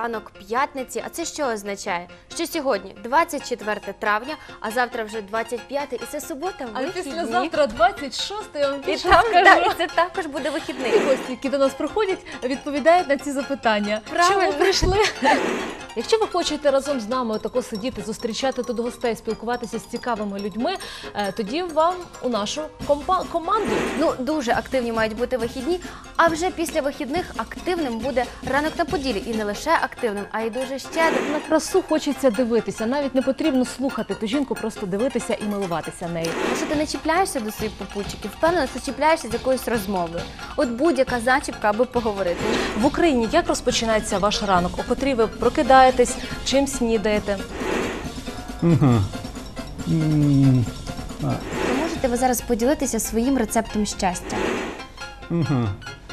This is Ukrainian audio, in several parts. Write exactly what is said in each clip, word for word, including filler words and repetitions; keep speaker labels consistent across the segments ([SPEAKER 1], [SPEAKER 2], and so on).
[SPEAKER 1] ранок п'ятниці. А це що означає? Що сьогодні двадцять четверте травня, а завтра вже двадцять п'яте, і це субота,
[SPEAKER 2] А
[SPEAKER 1] вихідні.
[SPEAKER 2] післязавтра двадцять шосте, я вам
[SPEAKER 1] І,
[SPEAKER 2] більше
[SPEAKER 1] там,
[SPEAKER 2] скажу.
[SPEAKER 1] да, і це також буде вихідний.
[SPEAKER 2] І гості, які до нас приходять, відповідають на ці запитання.
[SPEAKER 1] Правильно.
[SPEAKER 2] Чому прийшли? Якщо ви хочете разом з нами отако сидіти, зустрічати тут гостей, спілкуватися з цікавими людьми, е, тоді вам у нашу компа- команду.
[SPEAKER 1] Ну, дуже активні мають бути вихідні, а вже після вихідних активним буде ранок на Поділлі. І не лише активним, а й дуже щедрим.
[SPEAKER 2] На красу хочеться дивитися, навіть не потрібно слухати ту жінку, просто дивитися і милуватися нею.
[SPEAKER 1] Якщо ти не чіпляєшся до своїх попутчиків, впевнено, що чіпляєшся з якоюсь розмовою. От будь-яка зачіпка, аби поговорити.
[SPEAKER 2] В Україні як розпочинається ваш ранок? О котрій ви прокидаєтесь, чим снідаєте?
[SPEAKER 3] Угу.
[SPEAKER 1] То можете ви зараз поділитися своїм рецептом щастя?
[SPEAKER 3] Угу.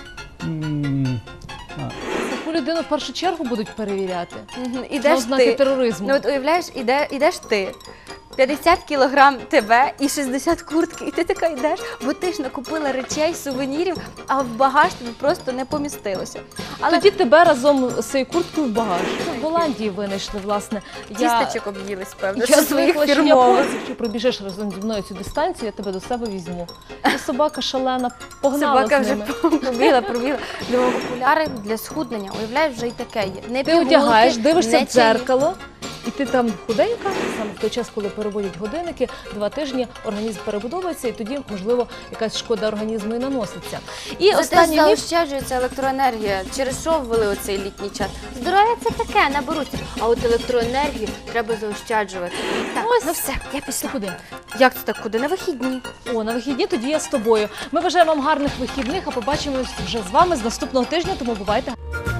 [SPEAKER 2] Таку людину в першу чергу будуть перевіряти.
[SPEAKER 1] Мгм.
[SPEAKER 2] На
[SPEAKER 1] Ідеш
[SPEAKER 2] ознаки
[SPEAKER 1] ти.
[SPEAKER 2] тероризму.
[SPEAKER 1] Ну от уявляєш, іде, ідеш ти. п'ятдесят кілограм тебе і шістдесят куртки, і ти така йдеш, бо ти ж накупила речей, сувенірів, а в багаж тобі просто не помістилося. Але
[SPEAKER 2] Тоді тебе разом з цією курткою в багаж. В Голландії винайшли, власне. Я,
[SPEAKER 1] тістечок об'їлись, певно,
[SPEAKER 2] я
[SPEAKER 1] зі своїх
[SPEAKER 2] звикла, що
[SPEAKER 1] фірмових.
[SPEAKER 2] японці, якщо пробіжиш разом зі мною цю дистанцію, я тебе до себе візьму. І собака шалена, погнала
[SPEAKER 1] Собака
[SPEAKER 2] з
[SPEAKER 1] вже
[SPEAKER 2] ними.
[SPEAKER 1] побігла, пробігла. Думаю, окуляри для схуднення, уявляєш, вже й таке є. Не
[SPEAKER 2] Ти
[SPEAKER 1] пігулки,
[SPEAKER 2] одягаєш, дивишся
[SPEAKER 1] не
[SPEAKER 2] в дзеркало, і ти там худенька, саме в той час, коли переводять годинники, два тижні організм перебудовується, і тоді, можливо, якась шкода організму і наноситься. І
[SPEAKER 1] Зате
[SPEAKER 2] останній міф.
[SPEAKER 1] заощаджується електроенергія. Через що ввели оцей літній час? Здоров'я це таке, наберуться. А от електроенергію треба заощаджувати. Так,
[SPEAKER 2] Ось.
[SPEAKER 1] ну все, я пішла.
[SPEAKER 2] Куди?
[SPEAKER 1] Як це так, куди? На вихідні.
[SPEAKER 2] О, на вихідні тоді я з тобою. Ми бажаємо вам гарних вихідних, а побачимось вже з вами з наступного тижня, тому бувайте.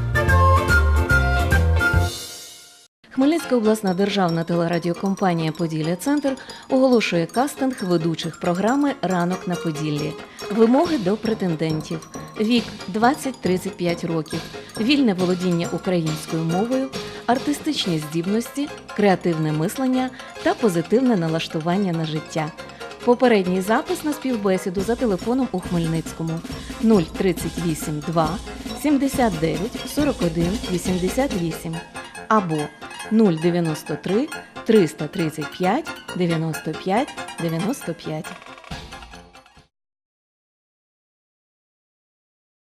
[SPEAKER 4] Хмельницька обласна державна телерадіокомпанія «Поділля-Центр» оголошує кастинг ведучих програми «Ранок на Поділлі». Вимоги до претендентів. Вік – двадцять-тридцять п'ять років. Вільне володіння українською мовою, артистичні здібності, креативне мислення та позитивне налаштування на життя. Попередній запис на співбесіду за телефоном у Хмельницькому нуль тридцять вісім два сімдесят дев'ять сорок один вісімдесят вісім або нуль дев'яносто три триста тридцять п'ять дев'яносто п'ять дев'яносто п'ять.